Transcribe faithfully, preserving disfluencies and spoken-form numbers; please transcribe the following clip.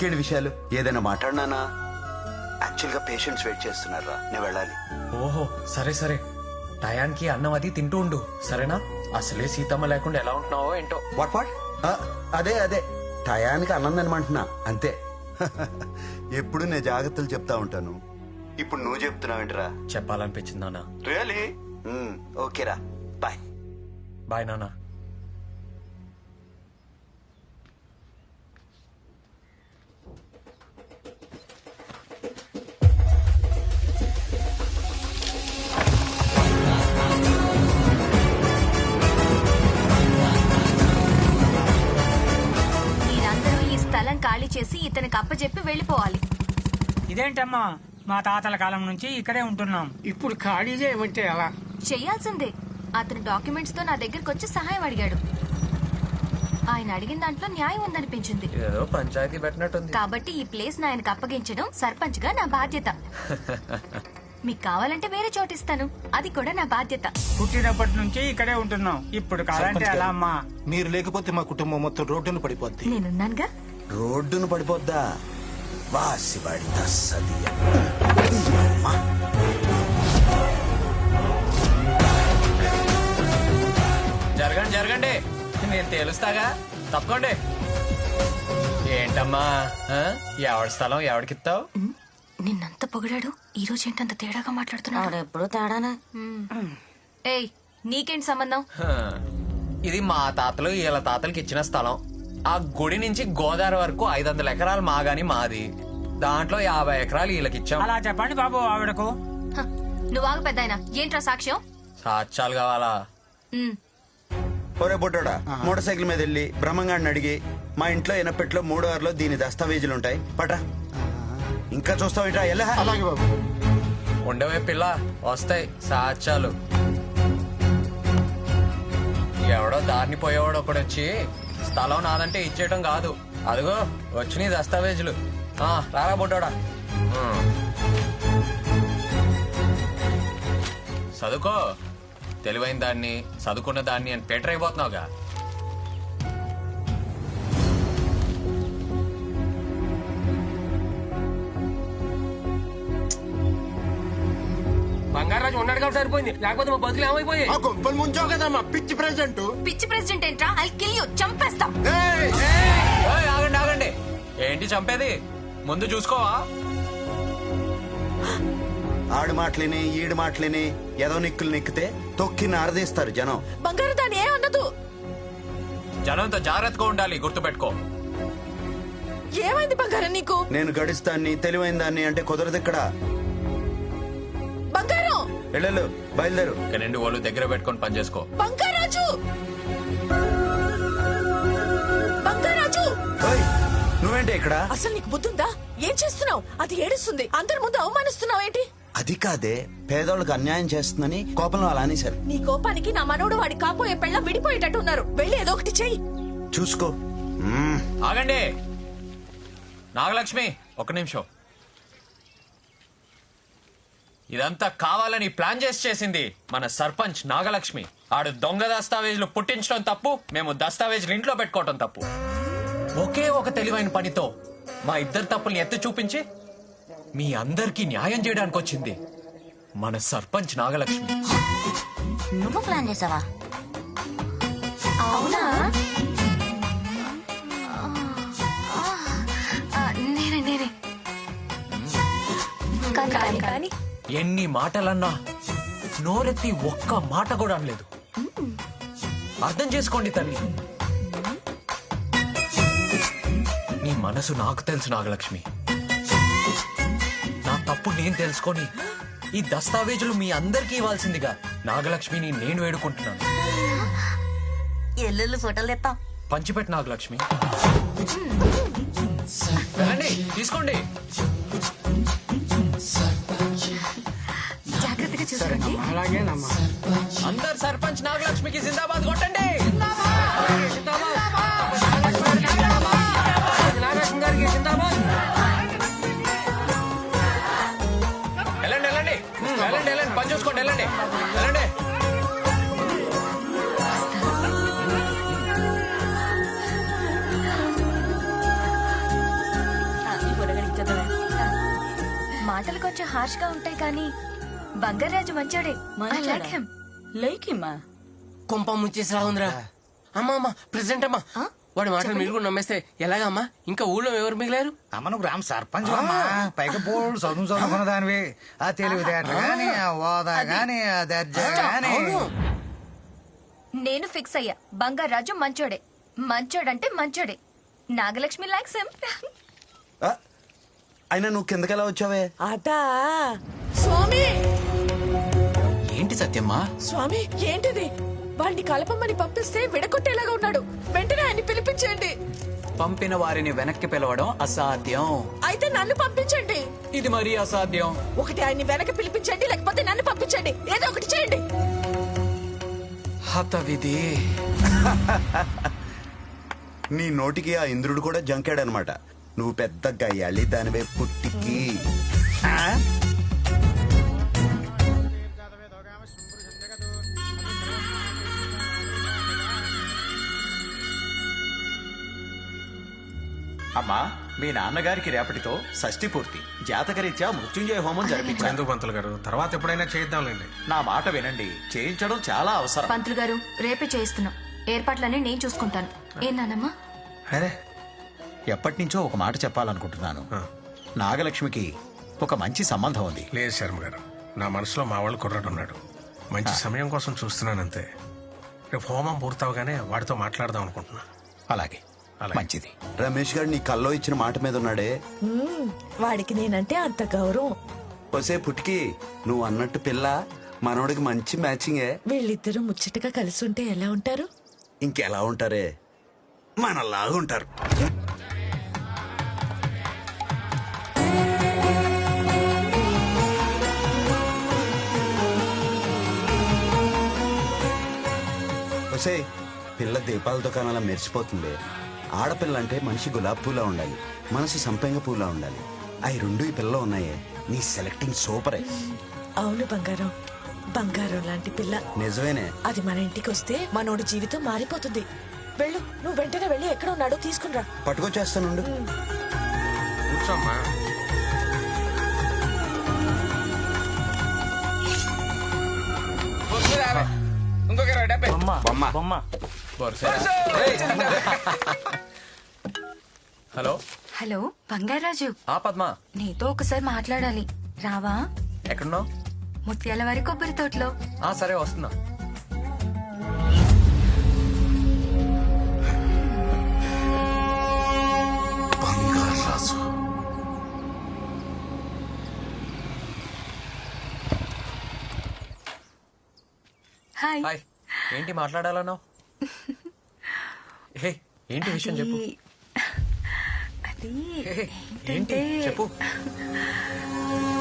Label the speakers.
Speaker 1: ఇంకేంటి విషయాలు? ఏదైనా మాట్లాడినానా? యాక్చువల్ గా పేషెంట్స్ వెయిట్ చేస్తున్నారా, నేను వెళ్ళాలి.
Speaker 2: ఓహో సరే సరే, టయానికి అన్నం అది తింటూ ఉండు సరేనా? అసలే సీతమ్మ లేకుండా ఎలా ఉంటున్నావో ఏంటో.
Speaker 1: What what? అదే అదే టయానికి అన్నం తినమంటున్నా అంతే. ఎప్పుడు నేను జాగ్రత్తలు చెప్తా ఉంటాను, ఇప్పుడు నువ్వు చెప్తున్నావేంటిరా?
Speaker 2: చెప్పాలనిపించింది నాన్న.
Speaker 1: రియలీ? ఓకేరా, బాయ్.
Speaker 2: బాయ్ నాన్న.
Speaker 3: స్థలం ఖాళీ చేసి ఇతనికి అప్పచెప్పి వెళ్ళిపోవాలి.
Speaker 4: ఇదేంటమ్మా, మా తాతల కాలం నుంచి ఇక్కడే ఉంటున్నాం, ఇప్పుడు ఖాళీ చేయమంటే ఎలా?
Speaker 3: చెయ్యాల్సిందే. అతను డాక్యుమెంట్స్ తో నా దగ్గరకు వచ్చి సహాయం అడిగాడు. ఆయన అడిగిన దాంట్లో న్యాయం ఉందనిపించింది.
Speaker 2: ఏదో పంచాయతీ పెట్టినట్టుంది.
Speaker 3: కాబట్టి ఈ ప్లేస్ ఆయనకు అప్పగించడం సర్పంచ్ గా నా బాధ్యత. మీకు కావాలంటే వేరే చోటు ఇస్తాను, అది కూడా నా బాధ్యత.
Speaker 4: పుట్టినప్పటి నుంచి ఇక్కడే ఉంటున్నాం, ఇప్పుడు కావాలంటే ఎలా అమ్మా?
Speaker 5: మీరు లేకపోతే మా కుటుంబం మొత్తం రోడ్డును పడిపోద్ది.
Speaker 3: నేనున్నానుగా.
Speaker 1: రోడ్డును పడిపోద్దా? వాసివాడి తస్సదియ.
Speaker 2: జరగండి జరగండి, నేను తేలుస్తాగా, తప్పకోండి. ఏంటమ్మా ఎవడి స్థలం ఎవడికిస్తావు?
Speaker 3: నిన్నంత పొగిడాడు, ఈ రోజు ఏంటంత తేడాగా మాట్లాడుతున్నాడు?
Speaker 6: ఎప్పుడు తేడానా?
Speaker 3: ఏయ్, నీకేంటి సంబంధం?
Speaker 2: ఇది మా తాతలు వీళ్ళ తాతలకి ఇచ్చిన స్థలం. ఆ గుడి నుంచి గోదావరి వరకు ఐదు వందల ఎకరాలు మాగాని మాది. దాంట్లో యాభై ఎకరాలు వీళ్ళకి ఇచ్చాం.
Speaker 4: అలా చెప్పండి బాబు ఆవిడకు.
Speaker 3: హ, నువ్వు ఆగు పెద్దాయన. ఏంట్రా సాక్ష్యం?
Speaker 2: సాక్ష్యాలు కావాలా?
Speaker 3: ఉమ్,
Speaker 1: ఒరే బొడ్డోడా, మోటార్ సైకిల్ మీద వెళ్ళి బ్రహ్మంగాడిని అడిగి మా ఇంట్లో ఎనపెట్లో మూడో ఆరులో దీని దస్తావేజులు ఉంటాయి పట. ఇంకా చూస్తావేంట్రా? ఎలా?
Speaker 5: అలాగే బాబు.
Speaker 2: ఉండవే పిల్ల, వస్తాయి సాక్ష్యాలు. ఎవడో దారిని పోయేవాడు ఒకడు వచ్చి స్థలం నాదంటే ఇచ్చేయటం కాదు. అదిగో వచ్చినాయి దస్తావేజులు. ఆ, రారా బొడ్డోడా. చదువుకో, తెలివైన దాన్ని చదువుకున్న దాన్ని అని పేటర్ అయిపోతున్నావుగా.
Speaker 7: బంగారాజు ఉన్నాడు కాబట్టి సరిపోయింది, లేకపోతే మా బతుకులు ఏమైపోయాయి?
Speaker 5: ఆ గొప్పలు ముంచావు కదా మా పిచ్చి ప్రెసిడెంట్.
Speaker 3: పిచ్చి ప్రెసిడెంట్ ఏంట్రా? ఐ కిల్ యు, చంపేస్తా.
Speaker 2: ఏయ్, ఆగండి ఆగండి, ఏంటి చంపేది? ముందు చూసుకోవా?
Speaker 1: ఆడు మాటలిని ఈడు మాటలిని ఏదో నిక్కులు నిక్కితే తొక్కి నారదీస్తారు జనం.
Speaker 6: బంగారు దాని ఏ అన్నదు.
Speaker 2: జనంతో జాగ్రత్తగా ఉండాలి, గుర్తుపెట్టుకో.
Speaker 6: ఏమైంది బంగారం నీకు?
Speaker 1: నేను గడిస్తాన్ని తెలివైన దాన్ని అంటే కుదరదు ఇక్కడ.
Speaker 6: బంగారం
Speaker 1: వెళ్ళు, బయలుదేరు.
Speaker 2: ఇక రెండు వాళ్ళు దగ్గర పెట్టుకొని పని చేసుకో.
Speaker 6: బంగారాజు, బంగారాజు,
Speaker 1: ఓయ్, నువ్వేంటి ఇక్కడ?
Speaker 6: అసలు నీకు బుద్ధుందా? ఏం చేస్తున్నావు? అది ఏడుస్తుంది, అందరి ముందు అవమానిస్తున్నావు ఏంటి?
Speaker 1: అది కాదే, పేదోళ్ళకి అన్యాయం చేస్తుందని కోపంలో అలా అనేశారు.
Speaker 6: నీ కోపానికి నా మనోడు వాడి కాపోయే పెళ్ళ విడిపోయేటట్టు ఉన్నారు. వెళ్ళి ఏదో ఒకటి చెయ్యి.
Speaker 1: చూసుకో. మ్మ్.
Speaker 2: ఆగండి నాగలక్ష్మి, ఒక నిమిషం. ఇదంతా కావాలని ప్లాన్ చేసి చేసింది మన సర్పంచ్ నాగలక్ష్మి. ఆడు దొంగ దస్తావేజులు పుట్టించడం తప్పు, మేము దస్తావేజులు ఇంట్లో పెట్టుకోవటం తప్పు. ఒకే ఒక తెలివైన పనితో మా ఇద్దరు తప్పుల్ని ఎత్తి చూపించి మీ అందరికీ న్యాయం చేయడానికి వచ్చింది మన సర్పంచ్ నాగలక్ష్మి.
Speaker 6: నువ్వు ప్లాన్ చేసావా?
Speaker 3: అవునా? ఆ, నేనే నేనే కానీ కానీ
Speaker 2: ఎన్ని మాటలన్నా నోరెత్తి ఒక్క మాట కూడా అనలేదు. అర్థం చేసుకోండి తల్లి, నీ మనసు నాకు తెలుసు నాగలక్ష్మి. నా తప్పు నేను తెలుసుకొని ఈ దస్తావేజులు మీ అందరికీ ఇవ్వాల్సిందిగా నాగలక్ష్మిని నేను వేడుకుంటున్నాను.
Speaker 6: ఎల్లుళ్ళు ఫోటోలు తెస్తాం.
Speaker 2: పంచిపెట్టు నాగలక్ష్మి. వెళ్ళండి, తీసుకోండి.
Speaker 3: జాగ్రత్తగా చూసుకోండి.
Speaker 4: అలాగేనమ్మా.
Speaker 2: అందరు సర్పంచ్ నాగలక్ష్మికి జిందాబాద్ కొట్టండి.
Speaker 7: నాగలక్ష్మి గారికి జిందాబాద్.
Speaker 2: వెళ్ళండి వెళ్ళండి వెళ్ళండి వెళ్ళండి, పని చూసుకోండి, వెళ్ళండి వెళ్ళండి.
Speaker 3: హార్ష్ గా ఉంటాయి కానీ బంగారాజు మంచోడే. I like him.
Speaker 6: లేకిమ్మా
Speaker 7: కొంప ముంచేసిరా ఉందిరా. అమ్మా అమ్మా ప్రెసిడెంట్ అమ్మా, వాడి మాటలు మీరు కూడా నమ్మేస్తే ఎలాగా అమ్మా? ఇంకా ఊళ్ళో ఎవరు మిగిలారు?
Speaker 8: అమ్మ నువ్వు గ్రామ సర్పంచ్ అమ్మా, పైగా బోర్డు చదువు చదువుకున్న దానివి. ఆ తెలివితేటలు గాని, ఆ హోదా గాని, ఆ దర్జా గాని.
Speaker 7: అవును.
Speaker 3: నేను ఫిక్స్ అయ్యా, బంగారాజు మంచోడే. మంచోడంటే మంచోడే. Nagalakshmi likes him.
Speaker 1: ఆ, అయినా నువ్వు కిందకెలా వచ్చావే?
Speaker 6: అదా స్వామి.
Speaker 2: ఏంటి సత్యమ్మా?
Speaker 6: స్వామి ఏంటిది? వాడిని కలపమని పంపిస్తే విడగొట్టేలాగా ఉన్నాడు. వెంటనే ఆయన్ని పిలిపించండి.
Speaker 9: పంపిన వారిని వెనక్కి పిలవడం అసాధ్యం.
Speaker 6: అయితే నన్ను పంపించండి.
Speaker 9: ఇది మరీ అసాధ్యం.
Speaker 6: ఒకటి ఆయన్ని వెనక్కి పిలిపించండి, లేకపోతే నన్ను పంపించండి. ఏదో ఒకటి చేయండి.
Speaker 9: హత విధి.
Speaker 1: నీ నోటికి ఆ ఇంద్రుడు కూడా జంకాడనమాట. నువ్వు పెద్ద గయ్యాళి దానివే పుట్టికి. ఆ?
Speaker 10: అమ్మా, మీ నాన్నగారికి రేపటితో షష్ఠి పూర్తి. జాతకరీత్యా మృత్యుంజయ హోమం జరిపించాను.
Speaker 5: ఎందుకు పంతులు గారు, తర్వాత ఎప్పుడైనా చేద్దాంలేండి.
Speaker 10: నా మాట వినండి, చేయించడం చాలా అవసరం.
Speaker 3: పంతులు గారు రేపే చేయిస్తున్నాం. ఏర్పాట్లన్నీ నేను చూసుకుంటాను. ఏం నానమ్మా?
Speaker 10: అరే, ఎప్పటి నుంచో ఒక మాట చెప్పాలనుకుంటున్నాను. నాగలక్ష్మికి ఒక మంచి సంబంధం ఉంది.
Speaker 5: లేదు శర్మ గారు, నా మనసులో మా వాళ్ళు కుర్రాడు ఉన్నాడు. మంచి సమయం కోసం చూస్తున్నానంతే. రేపు హోమం పూర్తవగానే వాడితో మాట్లాడదాం అనుకుంటున్నా.
Speaker 10: అలాగే, మంచిది.
Speaker 1: రమేష్ గారు నీ కల్లో ఇచ్చిన మాట మీద ఉన్నాడే.
Speaker 6: వాడికి నేనంటే అంత గౌరవం.
Speaker 1: ఒసే పుట్టికి, నువ్వు అన్నట్టు పిల్ల మనోడికి మంచి మ్యాచింగే.
Speaker 6: వీళ్ళిద్దరూ ముచ్చటగా కలిసి ఉంటే ఎలా ఉంటారు?
Speaker 1: ఇంకెలా ఉంటారే, మనలాగా ఉంటారు. ఒసే, పిల్ల దీపాల దుకాణాల మెరిసిపోతుంది. ఆడపిల్ల అంటే మనిషి గులాబ్ పూలా ఉండాలి, మనసు సంపెంగ పూలా ఉండాలి. అవి రెండు ఈ పిల్ల ఉన్నాయే. నీ సెలెక్టింగ్ సూపరే.
Speaker 6: అవును బంగారం, బంగారం లాంటి పిల్ల.
Speaker 1: నిజమేనే.
Speaker 6: అది మన ఇంటికి వస్తే మనోడి జీవితం మారిపోతుంది. వెళ్ళు, నువ్వు వెంటనే వెళ్ళి ఎక్కడ ఉన్నాడో తీసుకునిరా.
Speaker 1: పట్టుకొచ్చేస్తానుండు.
Speaker 5: కూర్చోమ్మా.
Speaker 2: హలో
Speaker 3: హలో బంగారాజు,
Speaker 2: ఆ పద్మ,
Speaker 3: నీతో ఒకసారి మాట్లాడాలి. రావా?
Speaker 2: ఎక్కడున్నావు?
Speaker 3: ముత్యాల వారి కొబ్బరి తోటలో.
Speaker 2: ఆ సరే, వస్తున్నా.
Speaker 1: బంగారాజు.
Speaker 3: హాయ్.
Speaker 2: హాయ్. ఏంటి మాట్లాడాలన్నావు? హే, ఏంటి విషయం చెప్పు.
Speaker 3: అది
Speaker 2: హే, ఏంటి
Speaker 3: ఏంటంటే
Speaker 2: చెప్పు.